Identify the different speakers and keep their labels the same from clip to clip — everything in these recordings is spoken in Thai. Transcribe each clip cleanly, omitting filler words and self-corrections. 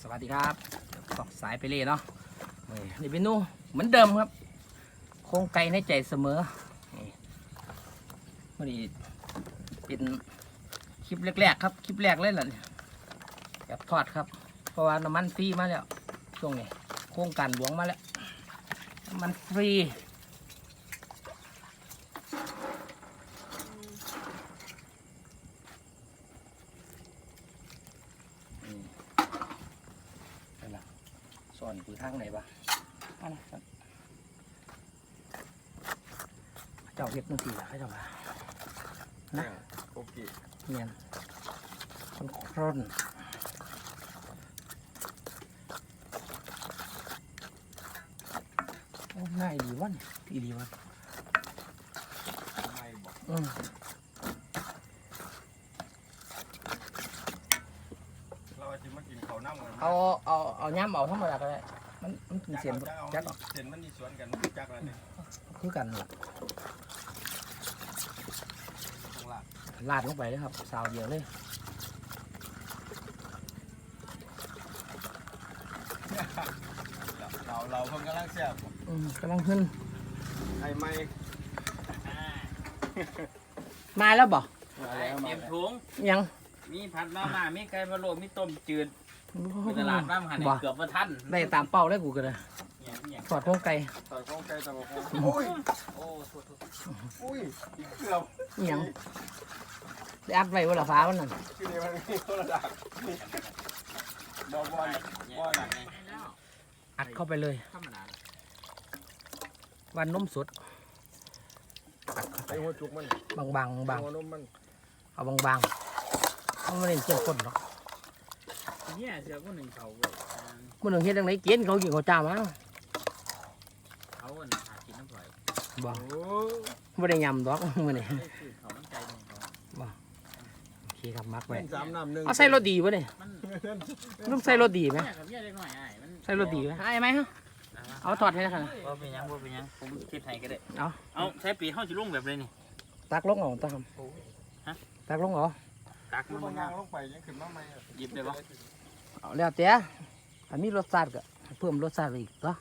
Speaker 1: สวัสดีครับสอกสายไปเลยเนาะนี่เมนูเหมือนเดิมครับโครงไก่ในใจเสมอนี่เป็นคลิปแรกๆครับคลิปแรกเลยแหละแบบทอดครับเพราะว่าน้ำมันฟรีมาแล้วช่วงนี้โครงการหลวงมาแล้วน้ำมันฟรีส่วนคือทางไหนบ้างเจ้าเห็ดนั่นสิล่ะเขาเจ้าว่านะ
Speaker 2: โอเค
Speaker 1: เนียนคร่นโอ้ง่ายดีวะเนี่ยดีดีวะ
Speaker 2: ไม่บอกเราจะมากินข้าวหน้ามัน
Speaker 1: เอาย้ำเอาธรรมดาก็ได้มันกินเสียนจักออก
Speaker 2: เสียนมันมีสวนกันจักอะไรเนี่ย
Speaker 1: คือกันล่ะลาดลงไปเลยครับสาวเดียวเลย
Speaker 2: เราเพิ่งกำลังเสียบ
Speaker 1: กำลังขึ้น
Speaker 2: ไอ้ไม่
Speaker 1: มาแล้วบ่
Speaker 3: เตรียมถุง
Speaker 1: ยัง
Speaker 3: มีผัดมาม่ามีไก่พะโล้มีต้มจืดมีตลาดบ้านหันเกือบมาทัน
Speaker 1: ได้ตามเป้าเลยกูกันเลยทอดโครงไก่
Speaker 2: ทอดโครงไก่ตำบักหุ่งโอ้ยอุ้ยเกือบ
Speaker 1: ยังได้อัดไว้บนหลังฟ้าวันนั้น
Speaker 2: คือเนี่ยมันมีคนละดักบอล
Speaker 1: อัดเข้าไปเลยวันนมสด
Speaker 2: ไอ้หัวจุกมัน
Speaker 1: บางเอาบางเขาไม่ได้เจียวคนหรอก
Speaker 3: เนี่ยเสือก็หนึ่งเขา
Speaker 1: มันหนึ่งเฮ็ดจังไหนเกินเขากินเขาจ้ามา
Speaker 3: เขาหากินน้ำปล่อย
Speaker 1: บ่ไม่ได้ยำดอกมันนี่
Speaker 3: เขาต้องใจของเขา
Speaker 1: บ่โอเคครับมักไว้
Speaker 2: เอา
Speaker 1: ใส่รสดีป่ะเนี่ยต้องใส่รสดีไหมใส่รสดีไหมไอ้ไหมฮะเอาทอดให้นะครับ
Speaker 3: ว่าเป็นยังผมคิดให้ก็ได้เอาใช้ปีเข้าชิลุ่งแบบเลยนี่
Speaker 1: ตักลงเอาตามตักลงเหรอ
Speaker 3: ตักมัน
Speaker 2: ย่างลงไปยังขึ้นมาใหม่
Speaker 3: หยิบเลยปะ
Speaker 1: เอาแล้วเตี้ยอันนี้รสชาติก็เพิ่มรสชาติอีกเหร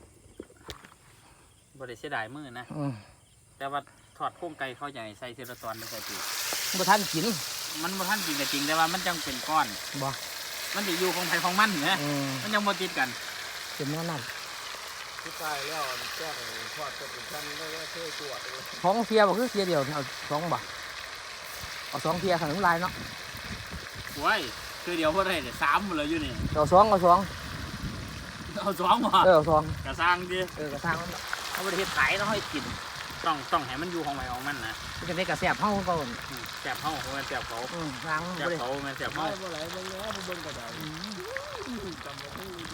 Speaker 3: อบริเสียดายมือนะแต่ว่าทอดโครงไก่เขาใหญ่ใส่เซราตอนไม่ใส่ปี
Speaker 1: บ่ทันกิน
Speaker 3: มันบ่ทันกินก็จริงแต่ว่ามันจังเป็นก้อน
Speaker 1: บ่
Speaker 3: มันจะอยู่ของไผ่ของมันเนี่ยมันยังบ่ติดกัน
Speaker 1: เป็นแน่นอน
Speaker 2: ที่ตายแล้วแก้ทอดเป็นชั้นแล้วเท่ตัว
Speaker 1: ท้องเสียบ่คือเสียเดียวเอาสองบ่เอาสองเทียขนมลายเนาะ
Speaker 3: โอ้ยคือเดียวพอได้เนี่ย3หมดเลยอยู่นี่
Speaker 1: เอาสอง
Speaker 3: เอา2บ่
Speaker 1: เอาสอง
Speaker 3: กระซังดิ
Speaker 1: กระซังเขาไม่ได้เฮ็ดขายเนาะให้กิน
Speaker 3: ต้องให้มันอยู่ของไผ่ของมันนะ
Speaker 1: จะได้กระแสบเฮาก็
Speaker 3: แสบเฮามันแสบเขา
Speaker 1: ล้าง
Speaker 3: แสบเขามันแสบเฮา
Speaker 2: บ่ไหลเบิ่งแล้วเบิ่งก็ได้จำบ่ได้ดี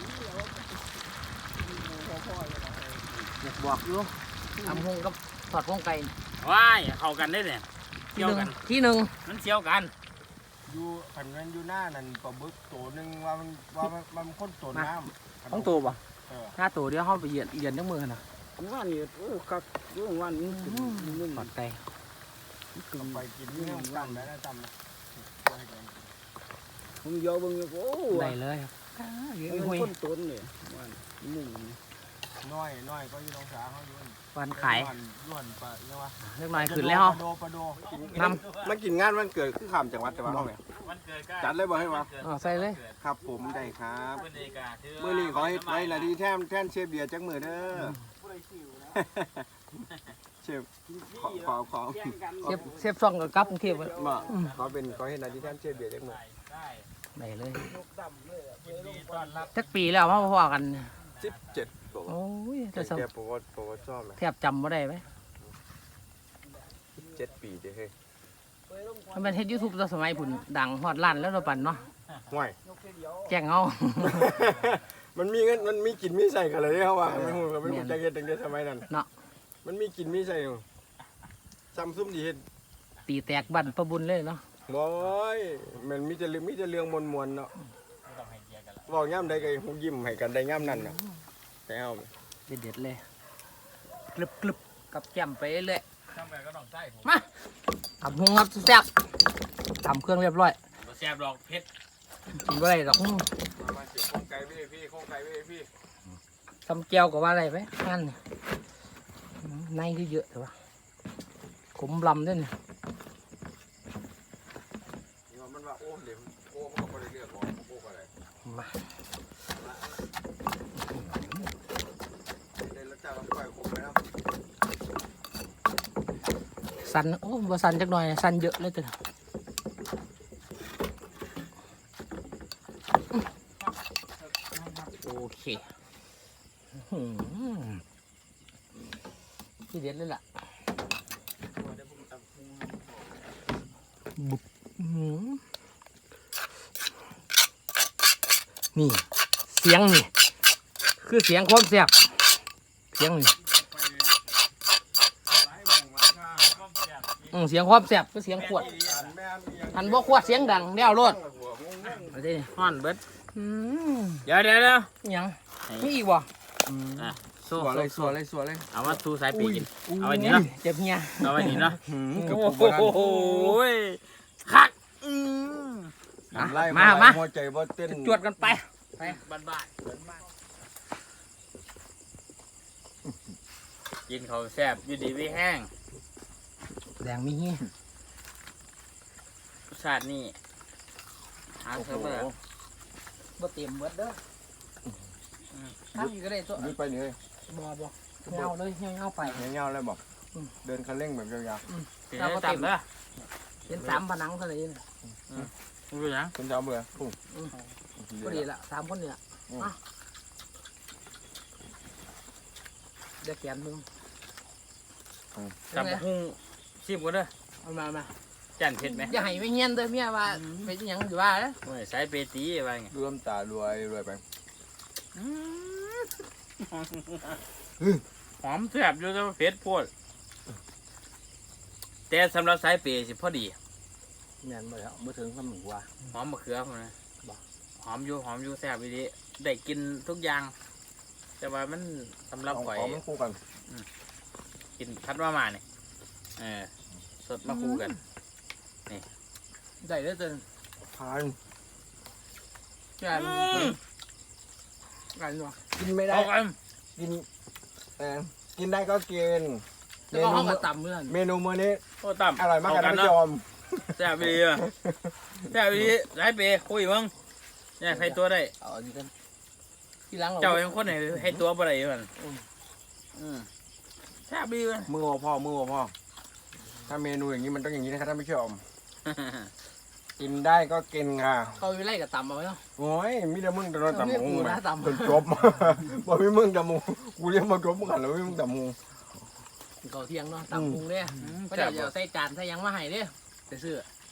Speaker 2: แล้ว
Speaker 1: บอกอยู่ทำหงกับทอดหงไก่
Speaker 3: ว้ายเข้ากันได้เนี่ย
Speaker 1: เกี่ยวกันที่หนึ่ง
Speaker 3: มันเชี่ยวกัน
Speaker 2: อยู่ขันกันอยู่หน้านั่นปลาบึกตัวนึงว่ามันคนตัวน้ำ
Speaker 1: ต้องตัวป่ะถ้าตัวเดียวเขาไปเหยียดทั้งมือนะ
Speaker 2: ว่านี่กักว่านี่
Speaker 1: ทอดไก่
Speaker 2: ไปกินนี่จำได้นะจำนะ
Speaker 3: ผมโยบึงโอ้
Speaker 1: ได้เลย
Speaker 3: คนต้นเนี่ยมุ่ง
Speaker 2: น้อยก็อยู่ตรงขาเขาอยู่
Speaker 1: วันขาย
Speaker 2: ล้วนปะเรียกว่า
Speaker 1: เล็กน้อยขึ้นแล้ว
Speaker 2: ปลาโดทำมันกินงานวันเกิดคือข้ามจังหวัดแต่ว่าเขาเนี่ยจัดเลยบอกให้มา
Speaker 1: ใส่เลย
Speaker 2: ครับผมได้ครับมือนี้ขอให้ไว้นาทีแท่นเชฟเบียร์จังมือเด้อเชฟขอ
Speaker 1: เชฟซ่องกับกรุงเทพ
Speaker 2: มาขอให้นาทีแท่นเชฟเบียร์จังมือ
Speaker 1: ได้เลยสักปีแล้วมาพอกัน
Speaker 2: 17
Speaker 1: โอ้ย
Speaker 2: แต่โปรชอบไหม
Speaker 1: แทบจำไม่ได้ไหม
Speaker 2: 7 ปีเด้อเฮ้ย
Speaker 1: มันเป็นเฮ็ดยูทูบตอนสมัยผุนดังฮอดล้านแล้วเราปั่นเนาะ
Speaker 2: ห่วย
Speaker 1: แจ้งเอา
Speaker 2: มันมีเงินมันมีกินมีใส่กันเลยเขาว่าไม่หูก็ไม่หูใจเย็นตั้งแต่สมัยนั้น
Speaker 1: เนาะ
Speaker 2: มันมีกินมีใส่ซ้ำซุ่มดีเห็น
Speaker 1: ตีแตกบั่นประบุญเลยเนาะ
Speaker 2: บอยมันมีแต่เรื่องมวลเนาะบอกย่ำใดก็หูยิ้มให้กันได้ย่ำนั่นเนาะแต่เอา
Speaker 1: เด็ดเลยกรึบกับแก้มไปเลยมาทำหุงครับแซ่บทำเครื่องเรียบร้อย
Speaker 3: แซ่บดอกเพชร
Speaker 1: กินอะไรดอก
Speaker 2: พี่โครงไก่พี่
Speaker 1: ทำแก้วกับว่าอะไรไหมนั่นนี่ในคือเยอะแต่ว่าขมลำด้วยนี่
Speaker 2: นี่มันว่าโอ้เหลี่ยมโอ้เขาก็ได้เรียกว่าโอ้อะไร
Speaker 1: มา
Speaker 2: ได้แล้วจ้าต้องปล่อยคงไปนะ
Speaker 1: สันโอ้บ่สันจักหน่อยสันเยอะเลยตัวโอเคที่เด็ดเลยล่ะบุกนี่เสียงนี่คือเสียงความแซ่บเสียงนี่เสียงความแซ่บคือเสียงขวดหันบ่ขวดเสียงดังแนวรถเอาดิ
Speaker 3: ฮ้อนเบิดเดี๋ยว
Speaker 1: ยังมีอีกบ่
Speaker 3: อ่ะ
Speaker 2: สวยเลย
Speaker 3: เอามาทูสายปีกินเอาไว้นี่เนาะ
Speaker 1: เจ็บเฮีย
Speaker 3: เอาไว้นี่เนาะ
Speaker 2: กับ
Speaker 3: โอ้โหคัก
Speaker 2: ไล่
Speaker 1: มา
Speaker 2: หัวใจบ่เต้น
Speaker 1: จวดกันไปไป
Speaker 3: บ้านกินเขาแซ่บอยู่ดีวิแห้ง
Speaker 1: แดงมีเฮีย
Speaker 3: รสชาตินี่หาเถอะเบอร์
Speaker 1: บ่เต็มเบิดเด้อทำอีกก็ได้ตัว
Speaker 2: ยึดไปนี่เลย
Speaker 1: บ่เงาเลยเงาไป
Speaker 2: เงี้ยๆเลยบอกเดินคันเร่งแบบยาว
Speaker 3: เดี๋ยวจับเด้อ
Speaker 1: เป็น3ผนังเท่านั้นเอง
Speaker 3: รู้ยัง
Speaker 2: ๆคุณจะเอาเบื่อพุ่ง
Speaker 1: พอดีละ3คนนี่ล่ะเดี๋ยวแกนมึง
Speaker 3: จับหุ้งชิมกันเด้อ
Speaker 1: เอามา
Speaker 3: จันเผ็ดไหม
Speaker 1: อย่าให้ไม่เงี้ยนเด้อเมียว่าเป็นหยังอยู่ว่าเด้อ
Speaker 3: โอ้ยสายเปตีอะไรเงี้ย
Speaker 2: รวมตารวยไป
Speaker 3: หอมแซ่บอยู่แต่ว่าเผ็ดโพดแต่สำหรับสายเปสิพอดี
Speaker 1: แม่นบ่แล้วบ่ถึงคำหนึ่งว่า
Speaker 3: หอมมะเขือผมนะหอมอยู่แซ่บดีได้กินทุกอย่าง แต่ว่ามันสำหรับข่อย
Speaker 2: มันคู่กัน
Speaker 3: กินพัดว่ามาเนี่ยสดมาคู่กัน
Speaker 1: ได้เด้อเด้อ
Speaker 2: ทาน
Speaker 1: กันบ่
Speaker 2: กินไม่ได้
Speaker 3: เอากัน
Speaker 2: กินได้ก็กิน
Speaker 1: แล้วก็ห้องก็ต่ำเมื่อน
Speaker 2: เมนูมื้อนี้
Speaker 3: โอ้ต่ำ
Speaker 2: อร่อยมากกัน
Speaker 3: เ
Speaker 2: ท่านผู้ชม
Speaker 3: แซ่บดีอ่ะแซ่บดีสายเปคุยมึงเนี่ยให้ตัวได้
Speaker 1: เอาอันนี้กันที่หลัง
Speaker 3: เจ้ายังคนไหนให้ตัวบ่ได้อยู่มันแซ่บดีว่ะ
Speaker 2: มือพ่อถ้าเมนูอย่างนี้มันต้องอย่างนี้นะครับท่านผู้ชมกินได้ก็กินค่ะ
Speaker 1: เขาอยู่ไล่กับต่ำเอาไว้เนาะ
Speaker 2: โอ้ยมีแต่มึงแต่เราต่ำหู
Speaker 1: กู
Speaker 2: ไหม
Speaker 1: นะต่ำ
Speaker 2: จนจบบอกมีมึงต่ำหูกูเรียกมาจบมึงหันแล้วมีมึงต่ำหู
Speaker 1: เขาเที่ยงเนาะต่ำพุงเด้ก็
Speaker 3: แซ่บ
Speaker 1: เดี๋ยวใส่จานใส่ยังมาให้เด้ไปซื้อ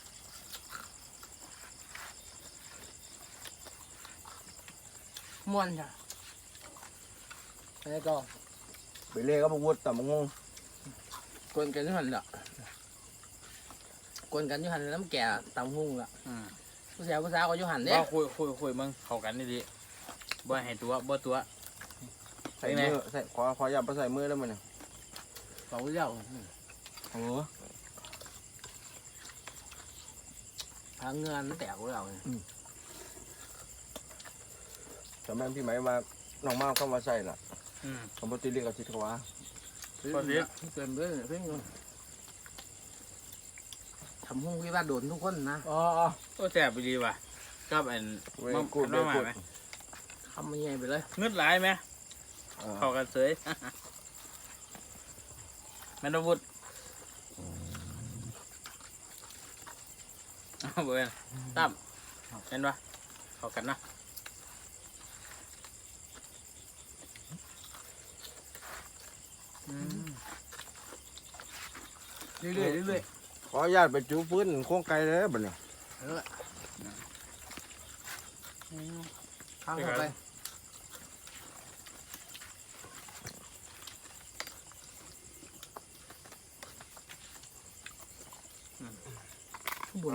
Speaker 1: ม่วนจ้ะแล้วก็
Speaker 2: ไปเล่ก็มาวุดต่ำหู
Speaker 1: กวนกันอยู่หันละกวนกันอยู่หันน้ำแก่ต่ำพุงละผู้สาวก็อยู่หันเด้
Speaker 3: ว่าคุยมึงเข้ากันดีๆบ่ให้ตัวบ่ตัว
Speaker 2: ใส่มือใส่ขออย่าไปใส่มือแล้วมันเนี่ย
Speaker 1: เขาเจ้า
Speaker 2: โอ้
Speaker 1: ทางเงินมันแตกกูแล้ว
Speaker 2: แต่แม่พี่ไหมมาน้องมากก็มาใส่ล่ะสมมติเรียกกับทิศวะ
Speaker 1: เต็มเลยเพิ่งทำหุ้งวิวาโดนทุกคนนะ
Speaker 2: อ๋อ
Speaker 3: โอ้แซ่บดีว่ะกับอัน
Speaker 2: เว้ย
Speaker 3: มั
Speaker 2: กูด
Speaker 3: น้องมาไหม
Speaker 1: ทำมันใหญ่ไปเลย
Speaker 3: เงืดหลายไหมเข้ากันเสยแมนวุฒเอาเบอร์ตั้มเห็นปะเข้ากันนะ
Speaker 1: เรื่อย
Speaker 2: ขออนุญาตไปจูฟื้นโค้งไกลเลยบัดเนี่ย
Speaker 1: ข้างเข้าไปบุญ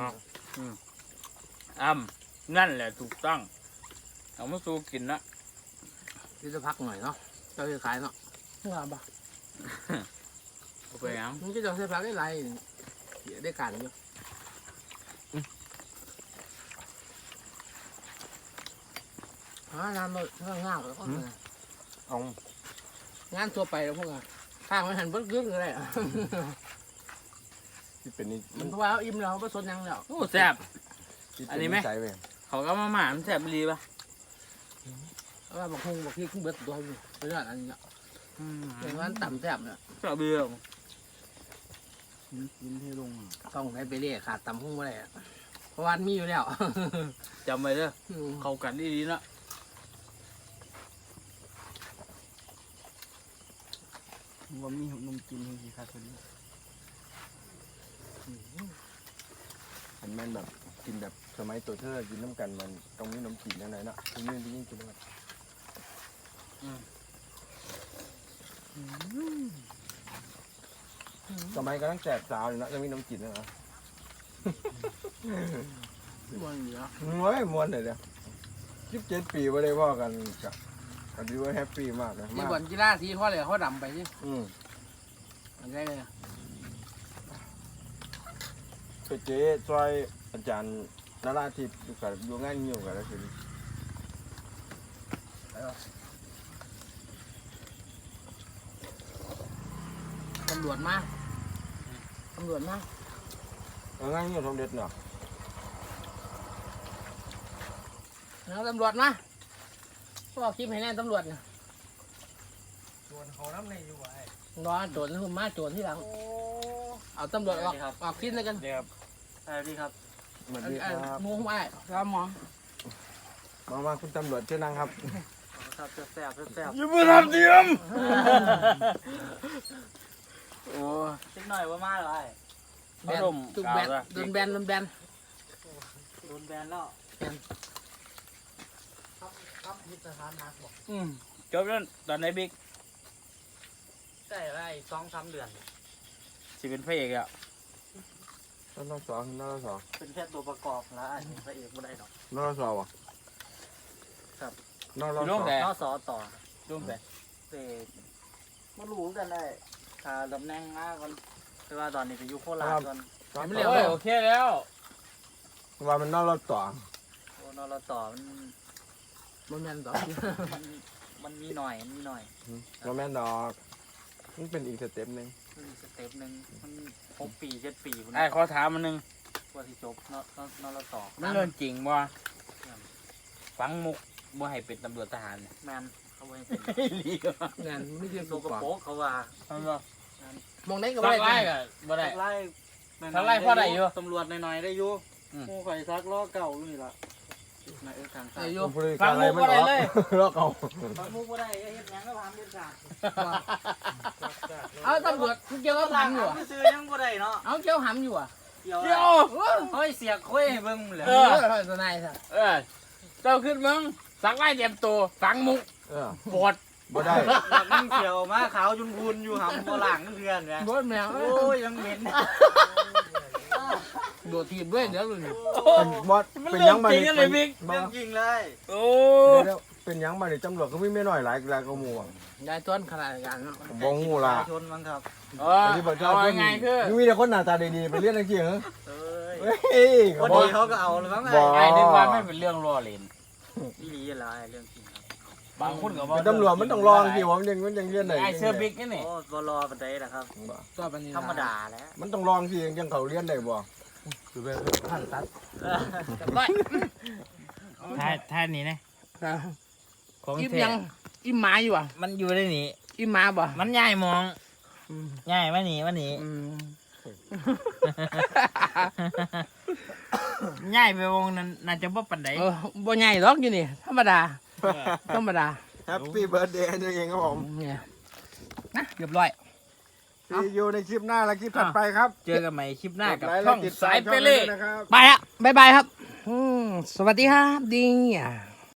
Speaker 3: นั่นแหละถูกต้องเอามาสู้กินนะ
Speaker 1: นี่จะพักหน่อยเนาะจะขายเนาะงามปะ
Speaker 3: เอาไปยัง
Speaker 1: มันก็จะใช้พักได้ไรได้การอยู่ฮะงานเรางานแล้วก็
Speaker 2: เอา
Speaker 1: งานตัวไปแล้วพวกอ่ะข้างมันหันเบิ้ลกึ๊กเลย
Speaker 2: ที่เป็นนี่
Speaker 1: มันเพราะว่าอิ่มแล้วเขาผสมยังแล้ว
Speaker 3: โอ้แซ่บ
Speaker 2: ที่เป็
Speaker 3: อันนี้ไหม
Speaker 2: ใจเว้ย
Speaker 3: เขาก็มาหมามันแซ่บดีป่ะ
Speaker 1: ว่าบางคนบอกพี่ขึ้นเบิ้ลตัวอยู่เป็นอะไรอันนี้อย่างนั้นต่ำแซ่บเนี่ย
Speaker 3: แซ่บดีอ่ะ
Speaker 2: กินให้ลง
Speaker 1: ต้องไปเรียกขาดต่ำหุ้งไม่ได้เพราะว่ามีอยู่แล้ว
Speaker 3: จำไว้เด้อเข้ากันดีๆนะ
Speaker 2: ว่ามีนมกินให้ครับคนนี้เห็นมันแบบกินแบบสมัยตัวเธอกินน้ำกันมันตรงนี้นมกินยังไงเนาะตรงนี้ยิ่งกินด้วยสมัยก็ตั้งแจกสาวอยู่นะยังมีนมกินนะ
Speaker 1: มันเหลือ
Speaker 2: โอ้ยมวนเลยเดียว17 ปีไม่ได้พ่อกันกับอันนี้ว่าแฮปปี้มากเลย
Speaker 1: ที่
Speaker 2: มาก
Speaker 1: บ่อนกีฬาทีเขาเลยเขาดำไปที่ มันได้เลย
Speaker 2: ไปเจ๊ซอยอาจารย์นราธิปอยู่กับอยู่งานอยู่กับแล้วคือ
Speaker 1: ตำรวจมาตำรวจมา
Speaker 2: งานอยู่สมเด็จเนาะ
Speaker 1: แล้วตำรวจมาบอกคลิปให้แน่ตำรวจนะ
Speaker 2: ชวนเขาน้ำในอยู่ไว้
Speaker 1: รอโจรนะผมมาโจรที่หลังเอาตำรวจออกคลิปเลยกัน
Speaker 3: เดี๋ยวครับสวัสดีครับ
Speaker 2: สวัสดีครับ
Speaker 1: งูไม่ครับหมอ
Speaker 2: มาคุณตำรวจเชิญนั่งครับ
Speaker 3: ครับแซ่บแซ่บ
Speaker 2: อย่ามาทำเดียม
Speaker 3: โอ้นิดหน่อยว่ามาเลย
Speaker 1: แบนจุกแบนโดนแบน
Speaker 3: โดนแบนแล้ว
Speaker 1: ครับยึดสถานนักบอก
Speaker 3: จบแล้วตอนไหนบิ๊ก
Speaker 1: ใช่ไร2-3 เดือน
Speaker 3: สิเป็นพระเอกอ่ะ
Speaker 2: นั่นเราสอง
Speaker 3: เป็นแค่ตัวประกอบแล้วอันนี้พระเอกไม่ได้หรอก
Speaker 2: นั่นเราสองวะ
Speaker 3: ครับ
Speaker 2: นั่นเรา
Speaker 3: ร่วม
Speaker 2: สอง
Speaker 3: แต่นอสอต่อร่วมแต่เด็กมารู้กันได้ถ้าตำแหน่งมากก่อนคือว่าตอนนี้ไปอยู่โคราชก่อน โอเคแล้ว
Speaker 2: ว่ามันนั่นเราต่อ
Speaker 3: โอ้นอต่อมัน
Speaker 1: มันแมนต่อ
Speaker 3: มันมีหน่อยมีหน่อย
Speaker 2: เราแม่นดอกมันเป็นอีกสเต็ปหนึ่ง
Speaker 3: มันสเต็ปหนึ่งมัน6 ปี7 ปีไอ้ขอถามมันนึงว่าที่จบนอต่อมันเรื่องจริงบ่ฟังมุกบ่ให้เป็นตำรวจทหารแมนเขาไม่เป็นลีก
Speaker 1: งานไม่ใช่
Speaker 3: โซกโป๊กเขาว่า
Speaker 1: มองได้ก็
Speaker 3: สั
Speaker 1: ไม่
Speaker 3: กไล่
Speaker 1: ได้
Speaker 3: ก็บ่ได้สักไล่พอได้อยู่ตำรวจหน่อยๆได้อยู่ผู้ข่อยซักล้อเก่านี่ล่ะนายทางซ้าย
Speaker 1: อายุ
Speaker 2: ฟังมุกอะไรเลยลอกเอา
Speaker 3: ฟังมุกบ่ได้เฮ็ดหยังก็พามเด็ดขาด
Speaker 1: เอาตำรวจเกี่ยวกับหำอยู่
Speaker 3: ซื้อยังบ่ได้เนาะ
Speaker 1: เอาเกี่ยวหำอยู่อ่ะ
Speaker 3: เกี่ยวเฮ้ยเสียคุยให้เบิ่งเลย
Speaker 1: ตัวนายสั
Speaker 3: เจ้าขึ้นมึงสักไล่เตรียมตัวฟังมุกปวด
Speaker 2: บ่ได้
Speaker 3: นั่งเขียวมาขาวจุนพูนอยู่หำบ่หลังเพื่อนแหม
Speaker 1: โดนแมว
Speaker 3: โอ้ยยังเหม็น
Speaker 1: โดดทีบด้วยเดี๋ยวเลย
Speaker 2: เป็นบอสเป็นยังมาดิ
Speaker 3: เรื่องจริงเลยโอ้
Speaker 2: เป็นยังมาดิตำรวจก็ไม่น้อยหลายก็มู
Speaker 1: ยายต้นขนาดกันเนาะ
Speaker 2: บองงูล่ะ
Speaker 3: ชนมั้งครับ
Speaker 2: เอาไงคือมีแต่คนหน้าตาดีๆไปเรียนจริงเหรอ
Speaker 3: เอ้ย
Speaker 2: เฮ้ย
Speaker 3: พอดีเขาก็เอาเลยมั้งไอ้นึกว่าไม่เป็นเรื่องล้อเล่นนี่ดีอะไรเรื่องจริงครับบางคนก็บอก
Speaker 2: เป็นตำรวจมันต้องลองสิว่ามันยังเรียนไหน
Speaker 3: ไอ้เสื้อบิ๊กนี่โอ้บรอปันไดนะครับ
Speaker 1: ก็เป็น
Speaker 3: ธรรมดาแล้ว
Speaker 2: มันต้องลองสิยังเขาเรียนได้บ่คือแบบ
Speaker 1: ผ่านตัด
Speaker 3: ท่านี้นะของ
Speaker 1: อิ่ม
Speaker 3: เท
Speaker 1: ยังอิ่มหมาอยู่อ่ะ
Speaker 3: มันอยู่ในนี้
Speaker 1: อิ่มหมาบ่
Speaker 3: มันย่ายมองย่ายมาหนีย่ายไปวงนั้นน่าจะบ่ปันได
Speaker 1: บ่ใหญ่หรอกอยู่นี่ธรรมดา
Speaker 2: แฮปปี้เบิร์ดเดย์ตัวเองครับผม
Speaker 1: เนี่ยนะเรียบร้อย
Speaker 2: ซีอยู่ในคลิปหน้าและคลิปถัดไปครับ
Speaker 3: เจอกันใหม่คลิปหน้ากับช่องสายเปเล่
Speaker 2: นะครับ
Speaker 1: ไปละบ๊ายบายครับสวัสดีครับดีอ่ะ